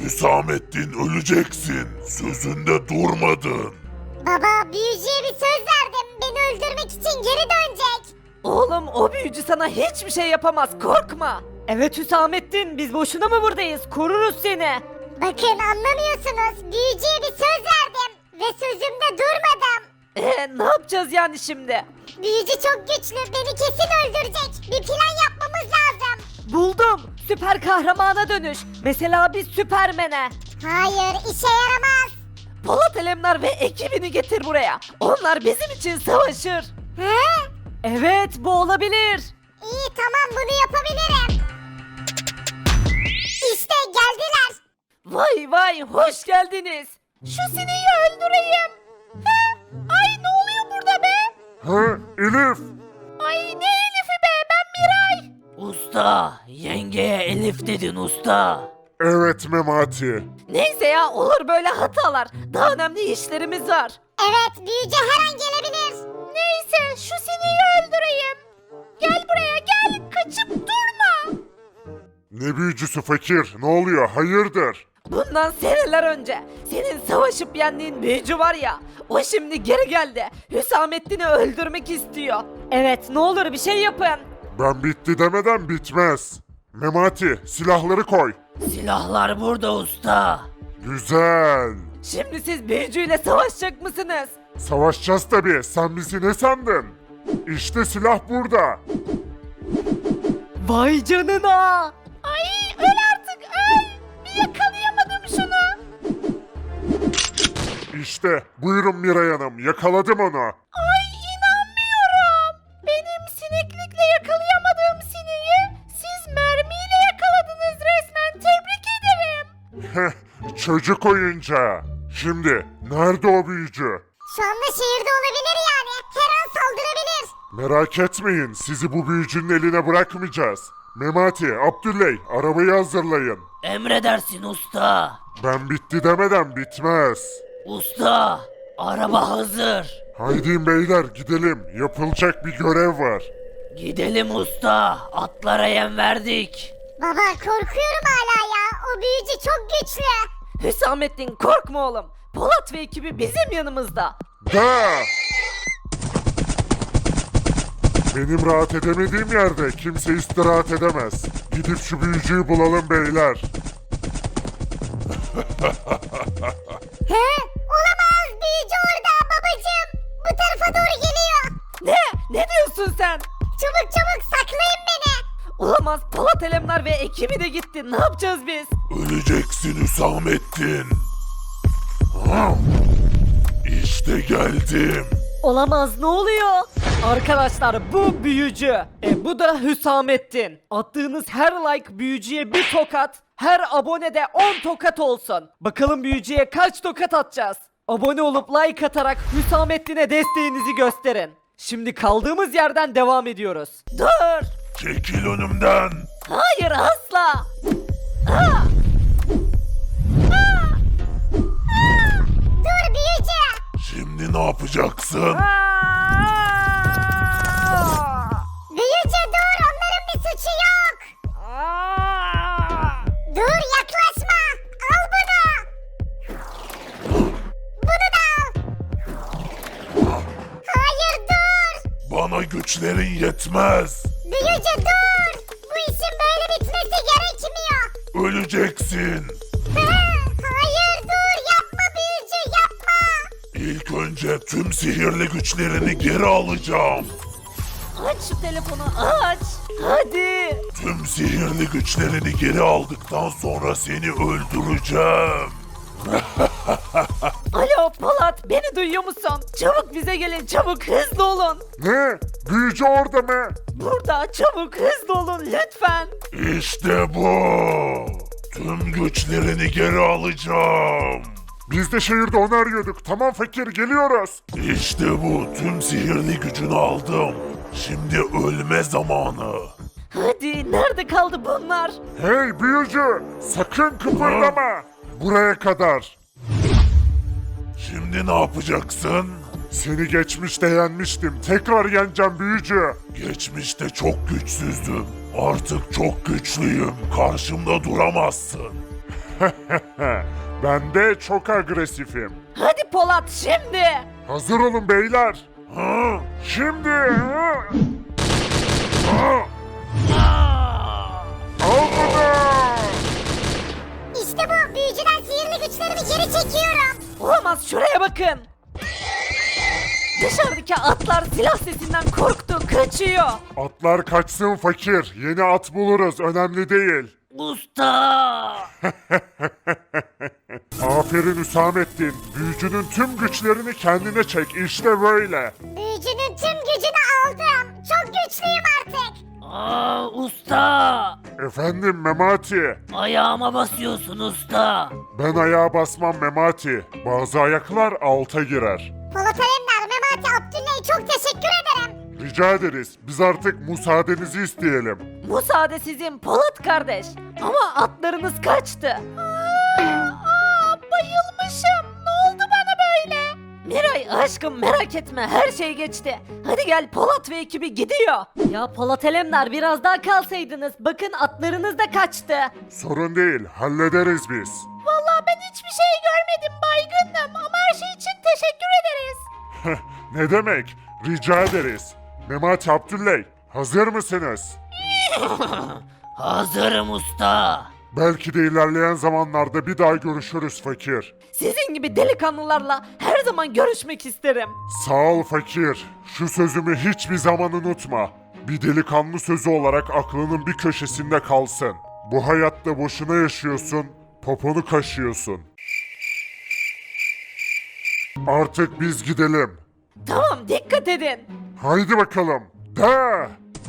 Hüsamettin öleceksin. Sözünde durmadın. Baba, büyücüye bir söz verdim. Beni öldürmek için geri dönecek. Oğlum o büyücü sana hiçbir şey yapamaz, korkma. Evet Hüsamettin, biz boşuna mı buradayız? Koruruz seni. Bakın, anlamıyorsunuz. Büyücüye bir söz verdim. Ve sözümde durmadım. Ne yapacağız yani şimdi? Büyücü çok güçlü. Beni kesin öldürecek. Bir plan yapmamız lazım. Buldum. Süper kahramana dönüş. Mesela biz Süpermen'e. Hayır, işe yaramaz. Polat Alemdar ve ekibini getir buraya. Onlar bizim için savaşır. He? Evet, bu olabilir. İyi, tamam, bunu yapabilirim. İşte geldiler. Vay vay, hoş geldiniz. Şu sineği öldüreyim. Ay ne oluyor burada be? Ha, Elif. Ay ne Elif'i be, ben Miray. Usta, yengeye Elif dedin usta. Evet Memati. Neyse ya, olur böyle hatalar. Daha önemli işlerimiz var. Evet, büyücü her an gelebilir. Neyse, şu sineği öldüreyim. Gel buraya gel, kaçıp durma. Ne büyücüsü fakir? Ne oluyor? Hayırdır? Bundan seneler önce senin savaşıp yendiğin büyücü var ya, o şimdi geri geldi. Hüsamettin'i öldürmek istiyor. Evet, ne olur bir şey yapın. Ben bitti demeden bitmez. Memati, silahları koy. Silahlar burada usta. Güzel. Şimdi siz büyücüyle savaşacak mısınız? Savaşacağız tabii. Sen bizi ne sandın? İşte silah burada. Vay canına. Ay öl artık öl. Bir yakalayamadım şunu. İşte buyurun Miray Hanım. Yakaladım onu. Ay inanmıyorum. Benim sineklikle yakalayamadığım sineği siz mermiyle yakaladınız resmen. Tebrik ederim. Heh, çocuk oyuncağı. Şimdi nerede o büyücü? Şu anda şehirde olabilir yani. Her an saldırabilir. Merak etmeyin. Sizi bu büyücünün eline bırakmayacağız. Memati, Abdülley, arabayı hazırlayın. Emredersin usta. Ben bitti demeden bitmez. Usta, araba hazır. Haydi beyler gidelim. Yapılacak bir görev var. Gidelim usta. Atlara yem verdik. Baba, korkuyorum hala ya. O büyücü çok güçlü. Hüsamettin korkma oğlum. Polat ve ekibi bizim yanımızda. Da! Benim rahat edemediğim yerde kimse istirahat edemez. Gidip şu büyücüyü bulalım beyler. He? Olamaz, büyücü orada babacığım. Bu tarafa doğru geliyor. Ne diyorsun sen? Çabuk çabuk saklayın beni. Olamaz, Polat Alemdar ve ekibi de gitti. Ne yapacağız biz? Öleceksin Hüsamettin. İşte geldim. Olamaz, ne oluyor? Arkadaşlar bu büyücü. Bu da Hüsamettin. Attığınız her like büyücüye bir tokat, her abone de 10 tokat olsun. Bakalım büyücüye kaç tokat atacağız? Abone olup like atarak Hüsamettin'e desteğinizi gösterin. Şimdi kaldığımız yerden devam ediyoruz. Dur! Çekil önümden. Hayır asla! Dur büyücü. Şimdi ne yapacaksın? Büyücü dur, onların bir suçu yok. Dur, yaklaşma. Al bunu. Bunu da al. Hayır, dur. Bana güçlerin yetmez. Büyücü dur. Bu işin böyle bitmesi gerekmiyor. Öleceksin. Hayır, dur, yapma büyücü, yapma. İlk önce tüm sihirli güçlerini geri alacağım. Aç şu telefonu aç! Hadi! Tüm sihirli güçlerini geri aldıktan sonra seni öldüreceğim. Alo Polat, beni duyuyor musun? Çabuk bize gelin, çabuk hızlı olun. Ne? Büyücü orada mı? Burada çabuk hızlı olun lütfen. İşte bu. Tüm güçlerini geri alacağım. Biz de şehirde onu arıyorduk. Tamam fakir, geliyoruz. İşte bu. Tüm sihirli gücünü aldım. Şimdi ölme zamanı. Hadi, nerede kaldı bunlar? Hey büyücü! Sakın kıpırdama! Buraya kadar. Şimdi ne yapacaksın? Seni geçmişte yenmiştim. Tekrar yeneceğim büyücü. Geçmişte çok güçsüzdüm. Artık çok güçlüyüm. Karşımda duramazsın. Ben de çok agresifim. Hadi Polat şimdi. Hazır olun beyler. Ha, şimdi. Ha. Ha. Al bunu. İşte bu, büyücüden sihirli güçlerimi geri çekiyorum. Olamaz, şuraya bakın. Dışarıdaki atlar silah sesinden korktu, kaçıyor. Atlar kaçsın fakir. Yeni at buluruz. Önemli değil. Usta. Aferin Hüsamettin. Büyücünün tüm güçlerini kendine çek. İşte böyle. Büyücünün tüm gücünü aldım. Çok güçlüyüm artık. Usta. Efendim Memati. Ayağıma basıyorsun usta. Ben ayağa basmam Memati. Bazı ayaklar alta girer. Polat Alemdar, Memati, Abdüllay'a çok teşekkür ederim. Rica ederiz. Biz artık müsaadenizi isteyelim. Müsaade sizin Polat kardeş. Ama atlarınız kaçtı. Bayılmışım. Ne oldu bana böyle? Miray aşkım merak etme, her şey geçti. Hadi gel, Polat ve ekibi gidiyor. Ya Polat Alemdar, biraz daha kalsaydınız. Bakın atlarınız da kaçtı. Sorun değil. Hallederiz biz. Vallahi ben hiçbir şey görmedim, baygındım. Ama her şey için teşekkür ederiz. Ne demek? Rica ederiz. Memati Abdülley, hazır mısınız? Hazırım usta. Belki de ilerleyen zamanlarda bir daha görüşürüz fakir. Sizin gibi delikanlılarla her zaman görüşmek isterim. Sağ ol fakir. Şu sözümü hiçbir zaman unutma. Bir delikanlı sözü olarak aklının bir köşesinde kalsın. Bu hayatta boşuna yaşıyorsun, poponu kaşıyorsun. Artık biz gidelim. Tamam, dikkat edin. Haydi bakalım. De!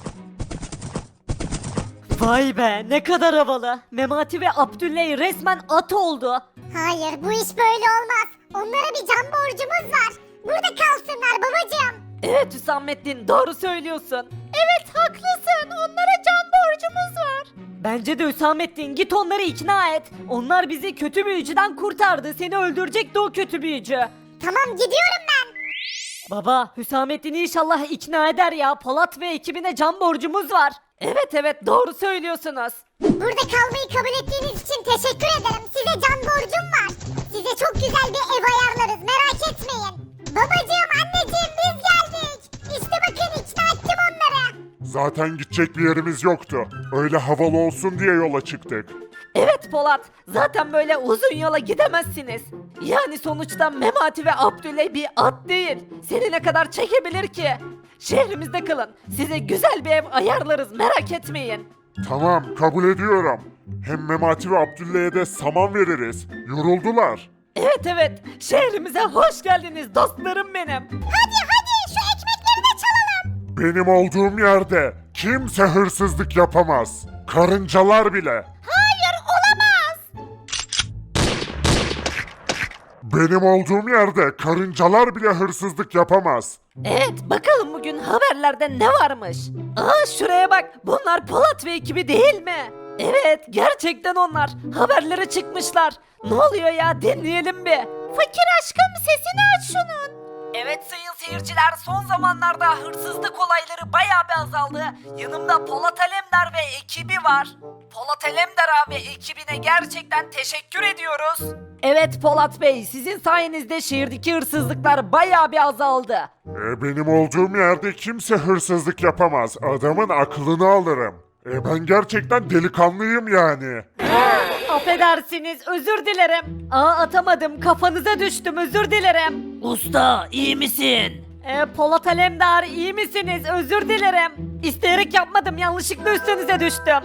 Vay be, ne kadar havalı. Memati ve Abdülley resmen at oldu. Hayır, bu iş böyle olmaz. Onlara bir can borcumuz var. Burada kalsınlar babacığım. Evet Hüsamettin, doğru söylüyorsun. Evet, haklısın. Onlara can borcumuz var. Bence de Hüsamettin, git onları ikna et. Onlar bizi kötü büyücüden kurtardı. Seni öldürecekti o kötü büyücü. Tamam, gidiyorum ben. Baba, Hüsamettin'i inşallah ikna eder ya. Polat ve ekibine can borcumuz var. Evet, doğru söylüyorsunuz. Burada kalmayı kabul ettiğiniz için teşekkür ederim. Size can borcum var. Size çok güzel bir ev ayarlarız, merak etmeyin. Babacığım, anneciğim, biz geldik. İşte bakın, ikna ettim onları. Zaten gidecek bir yerimiz yoktu. Öyle havalı olsun diye yola çıktık. Evet Polat, zaten böyle uzun yola gidemezsiniz. Yani sonuçta Memati ve Abdüley bir at değil. Seni ne kadar çekebilir ki? Şehrimizde kalın. Size güzel bir ev ayarlarız, merak etmeyin. Tamam, kabul ediyorum. Hem Memati ve Abdülley'e de saman veririz. Yoruldular. Evet, şehrimize hoş geldiniz dostlarım benim. Hadi, şu ekmekleri de çalalım. Benim olduğum yerde kimse hırsızlık yapamaz. Karıncalar bile. Hayır, olamaz. Benim olduğum yerde karıncalar bile hırsızlık yapamaz. Evet, bakalım bugün haberlerde ne varmış? Aa, şuraya bak, bunlar Polat ve ekibi değil mi? Evet, gerçekten onlar. Haberlere çıkmışlar. Ne oluyor ya, dinleyelim bir. Fakir aşkım, sesini aç şunun. Evet sayın seyirciler, son zamanlarda hırsızlık olayları bayağı bir azaldı. Yanımda Polat Alemdar ve ekibi var. Polat Alemdar abi ekibine gerçekten teşekkür ediyoruz. Evet Polat Bey, sizin sayenizde şehirdeki hırsızlıklar bayağı bir azaldı. Benim olduğum yerde kimse hırsızlık yapamaz. Adamın aklını alırım. Ben gerçekten delikanlıyım yani. Affedersiniz, özür dilerim. Atamadım, kafanıza düştüm, özür dilerim. Usta, iyi misin? Polat Alemdar, iyi misiniz? Özür dilerim. İsteyerek yapmadım, yanlışlıkla üstünüze düştüm.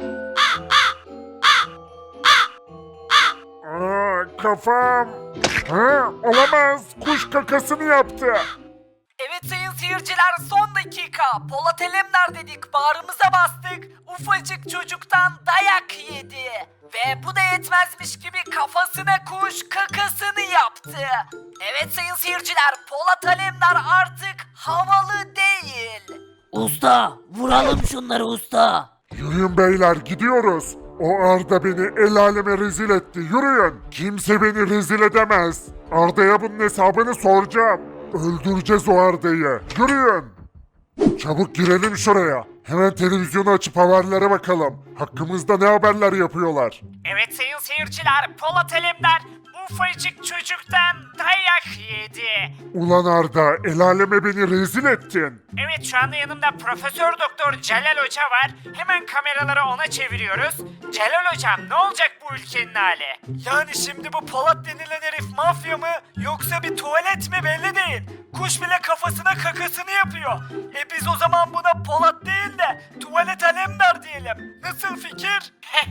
Kafam. Olamaz. Kuş kakasını yaptı. Evet sayın seyirciler, son dakika. Polat Alemdar dedik, bağrımıza bastık. Ufacık çocuktan dayak yedi. Ve bu da yetmezmiş gibi kafasına kuş kakasını yaptı. Evet sayın seyirciler, Polat Alemdar artık havalı değil. Usta, vuralım şunları usta. Yürüyün beyler, gidiyoruz. O Arda beni el aleme rezil etti. Yürüyün. Kimse beni rezil edemez. Arda'ya bunun hesabını soracağım. Öldüreceğiz o Arda'yı. Yürüyün. Çabuk girelim şuraya. Hemen televizyonu açıp haberlere bakalım. Hakkımızda ne haberler yapıyorlar? Evet sayın seyirciler, Polat Alemdar ufacık çocuktan dayak yedi. Ulan Arda, el aleme beni rezil ettin. Evet şu anda yanımda Profesör Doktor Celal Hoca var. Hemen kameraları ona çeviriyoruz. Celal Hocam ne olacak bu ülkenin hali? Yani şimdi bu Polat denilen herif mafya mı yoksa bir tuvalet mi belli değil. Kuş bile kafasına kakasını yapıyor. Biz o zaman buna Polat değil de Tuvalet Alemdar diyelim. Nasıl fikir?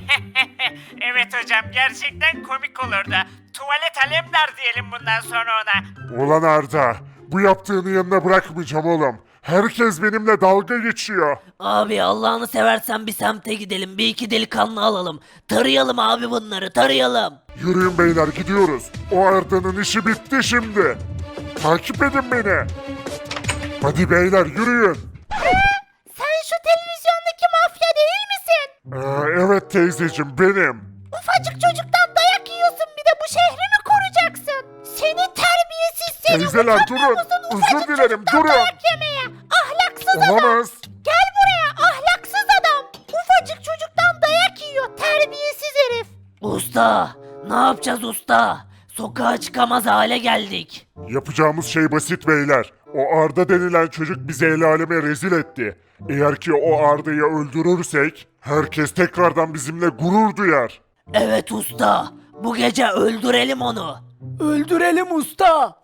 Evet hocam gerçekten komik olurdu. Tuvalet Alemdar diyelim bundan sonra ona. Ulan Arda, bu yaptığını yanına bırakmayacağım oğlum. Herkes benimle dalga geçiyor. Abi Allah'ını seversen bir semte gidelim, bir iki delikanlı alalım. Tarayalım abi bunları, tarayalım. Yürüyün beyler gidiyoruz. O Arda'nın işi bitti şimdi. Takip edin beni. Hadi beyler yürüyün. Sen şu televizyondaki mafya değil misin? Evet teyzeciğim benim. Ufacık çocuktan dayak yiyorsun bir de bu şehri mi koruyacaksın? Seni terbiyesiz seni. Teyzeler durun. Özür dilerim durun. Dayak yemeye. Ahlaksız adam. Olamaz. Gel buraya ahlaksız adam. Ufacık çocuktan dayak yiyor terbiyesiz herif. Usta, ne yapacağız usta? Sokağa çıkamaz hale geldik. Yapacağımız şey basit beyler. O Arda denilen çocuk bizi el aleme rezil etti. Eğer ki o Arda'yı öldürürsek herkes tekrardan bizimle gurur duyar. Evet usta, bu gece öldürelim onu. Öldürelim usta.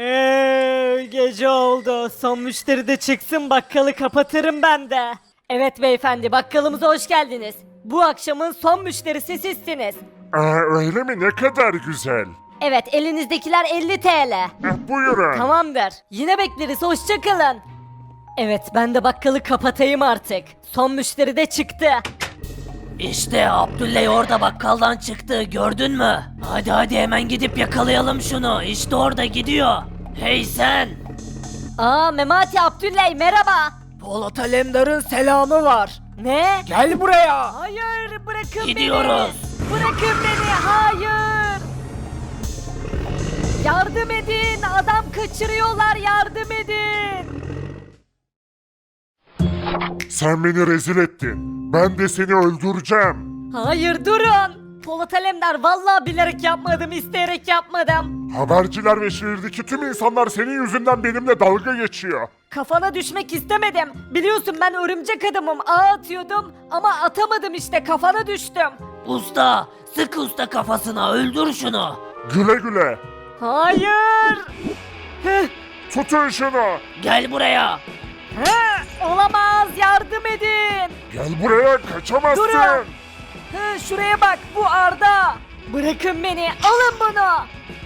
Gece oldu. Son müşteri de çıksın, bakkalı kapatırım ben de. Evet beyefendi, bakkalımıza hoş geldiniz. Bu akşamın son müşterisi sizsiniz. Öyle mi? Ne kadar güzel. Evet, elinizdekiler 50 TL. Buyurun. Tamamdır. Yine bekleriz, hoşça kalın. Evet, ben de bakkalı kapatayım artık. Son müşteri de çıktı. İşte Abdülley orada bakkaldan çıktı, gördün mü? Hadi hadi hemen gidip yakalayalım şunu, işte orada gidiyor. Hey sen! Aa, Memati Abdülley merhaba. Polat Alemdar'ın selamı var. Ne? Gel buraya. Hayır, bırakın Gidiyoruz. beni. Bırakın beni, hayır. Yardım edin, adam kaçırıyorlar, yardım edin. Sen beni rezil ettin. Ben de seni öldüreceğim. Hayır, durun. Polat Alemdar, vallahi bilerek yapmadım, isteyerek yapmadım. Haberciler ve şehirdeki tüm insanlar senin yüzünden benimle dalga geçiyor. Kafana düşmek istemedim. Biliyorsun ben örümcek adamım, ağ atıyordum ama atamadım işte, kafana düştüm. Usta, sık usta kafasına, öldür şunu. Güle güle. Hayır. Heh, Tutun şunu. Gel buraya. olamaz, yardım edin. Gel buraya kaçamazsın. Durun. Şuraya bak, bu Arda. Bırakın beni, alın bunu.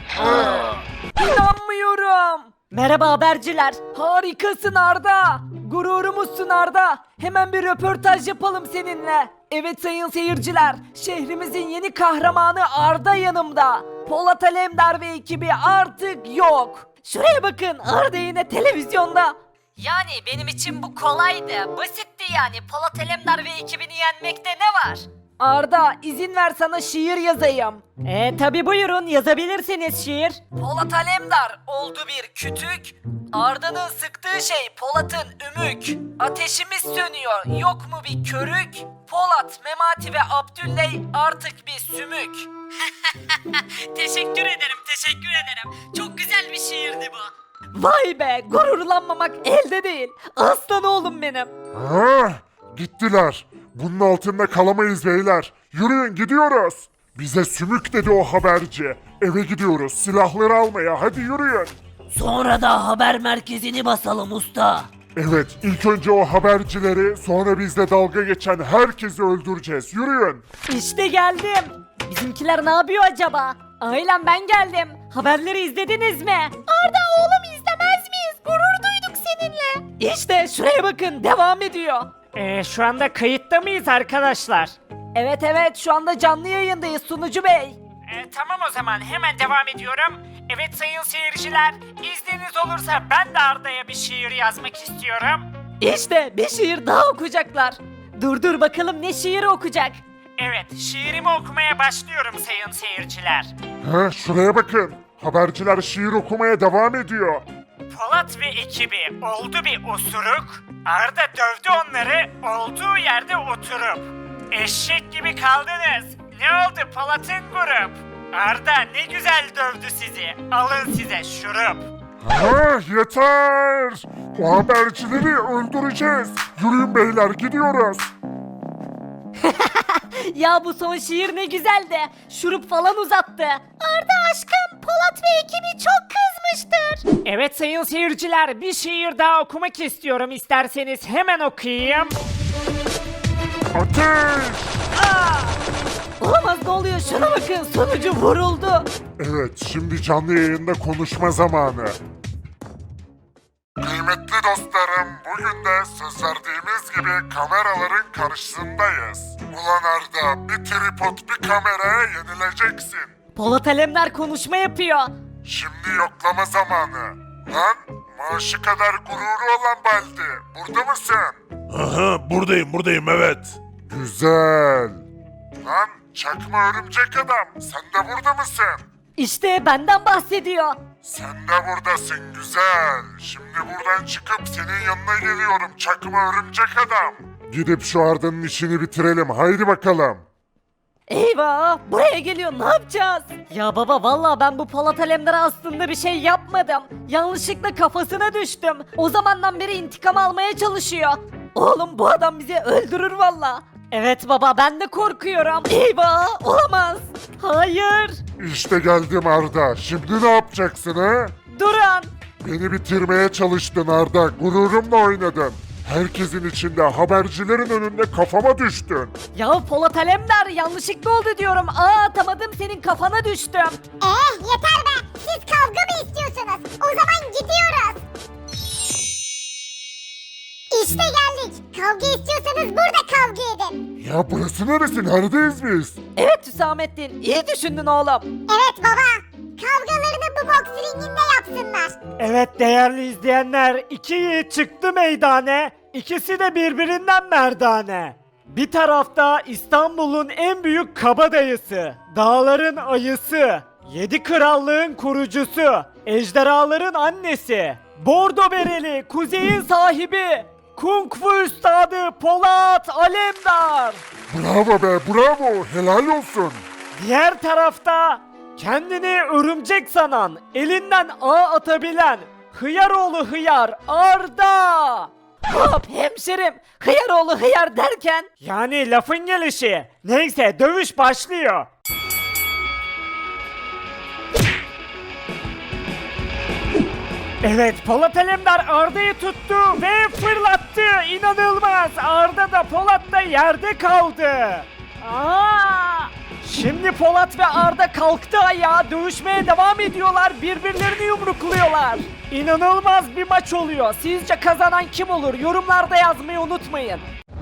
İnanmıyorum. Merhaba haberciler. Harikasın Arda. Gururumuzsun Arda. Hemen bir röportaj yapalım seninle. Evet sayın seyirciler. Şehrimizin yeni kahramanı Arda yanımda. Polat Alemdar ve ekibi artık yok. Şuraya bakın, Arda yine televizyonda. Yani benim için bu kolaydı. Basitti yani. Polat Alemdar ve ekibini yenmekte ne var? Arda, izin ver sana şiir yazayım. Tabi buyurun, yazabilirsiniz şiir. Polat Alemdar oldu bir kütük. Arda'nın sıktığı şey Polat'ın ümük. Ateşimiz sönüyor, yok mu bir körük? Polat, Memati ve Abdülley artık bir sümük. Teşekkür ederim, teşekkür ederim. Çok güzel bir şiirdi bu. Vay be, gururlanmamak elde değil. Aslan oğlum benim. Gittiler. Bunun altında kalamayız beyler. Yürüyün gidiyoruz. Bize sümük dedi o haberci. Eve gidiyoruz silahları almaya, hadi yürüyün. Sonra da haber merkezini basalım usta. Evet, ilk önce o habercileri, sonra bizle dalga geçen herkesi öldüreceğiz. Yürüyün. İşte geldim. Bizimkiler ne yapıyor acaba? Ailem, ben geldim. Haberleri izlediniz mi? Arda oğlum, izlemez miyiz? Gurur duyduk seninle. İşte şuraya bakın, devam ediyor. Şu anda kayıtta mıyız arkadaşlar? Evet evet, şu anda canlı yayındayız sunucu bey. Tamam o zaman hemen devam ediyorum. Evet sayın seyirciler, izniniz olursa ben de Arda'ya bir şiir yazmak istiyorum. İşte bir şiir daha okuyacaklar. Dur bakalım, ne şiiri okuyacak? Evet, şiirimi okumaya başlıyorum sayın seyirciler. Şuraya bakın. Haberciler şiir okumaya devam ediyor. Polat ve ekibi oldu bir osuruk, Arda dövdü onları olduğu yerde oturup. Eşek gibi kaldınız. Ne oldu Polat'ın grup? Arda ne güzel dövdü sizi. Alın size şurup. Yeter! O habercileri öldüreceğiz. Yürüyün beyler gidiyoruz. Ya bu son şiir ne güzeldi. Şurup falan uzattı. Arda aşkım, Polat ve ekibi çok kızmıştır. Evet sayın seyirciler, bir şiir daha okumak istiyorum. İsterseniz hemen okuyayım. Ateş! Olamaz, ne oluyor? Şuna bakın, sonucu vuruldu. Evet, şimdi canlı yayında konuşma zamanı. Kıymetli dostlarım, bugün de söz verdiğimiz gibi kameraların karşısındayız. Ulan Arda, bir tripod bir kameraya yenileceksin. Polat Alemdar konuşma yapıyor. Şimdi yoklama zamanı. Lan, maaşı kadar gururu olan Baldi, burada mısın? Aha, buradayım evet. Güzel. Lan, çakma örümcek adam, sen de burada mısın? İşte benden bahsediyor. Sen de buradasın güzel. Şimdi buradan çıkıp senin yanına geliyorum çakma örümcek adam. Gidip şu Arda'nın işini bitirelim haydi bakalım. Eyvah, buraya geliyor, ne yapacağız? Ya baba, vallahi ben bu Polat Alemdar'a aslında bir şey yapmadım. Yanlışlıkla kafasına düştüm. O zamandan beri intikam almaya çalışıyor. Oğlum, bu adam bizi öldürür valla. Evet baba, ben de korkuyorum. Eyvah, olamaz. Hayır. İşte geldim Arda. Şimdi ne yapacaksın ha? Durun. Beni bitirmeye çalıştın Arda. Gururumla oynadın. Herkesin içinde habercilerin önünde kafama düştün. Ya Polat Alemdar, yanlışlıkla oldu diyorum. Atamadım, senin kafana düştüm. Yeter be. Siz kavga mı istiyorsunuz? O zaman gidiyoruz. İşte geldik. Kavga istiyorsanız burada kavga edin. Ya burası neresi? Neredeyiz biz? Evet Hüsamettin, iyi düşündün oğlum. Evet baba. Kavgalarını bu boks ringinde yapsınlar. Evet değerli izleyenler, iki yiğit çıktı meydane. İkisi de birbirinden merdane. Bir tarafta İstanbul'un en büyük kabadayısı, dağların ayısı, 7 krallığın kurucusu, ejderhaların annesi, bordo bereli kuzeyin sahibi, Kung Fu üstadı Polat Alemdar. Bravo be bravo. Helal olsun. Diğer tarafta kendini örümcek sanan, elinden ağ atabilen Hıyaroğlu Hıyar Arda. Hop hemşerim, hıyaroğlu hıyar derken? Yani lafın gelişi. Neyse dövüş başlıyor. Evet Polat Alemdar Arda'yı tuttu ve fırlattı. İnanılmaz. Arda da Polat da yerde kaldı. Şimdi Polat ve Arda kalktı ayağa, dövüşmeye devam ediyorlar, birbirlerini yumrukluyorlar. İnanılmaz bir maç oluyor. Sizce kazanan kim olur? Yorumlarda yazmayı unutmayın.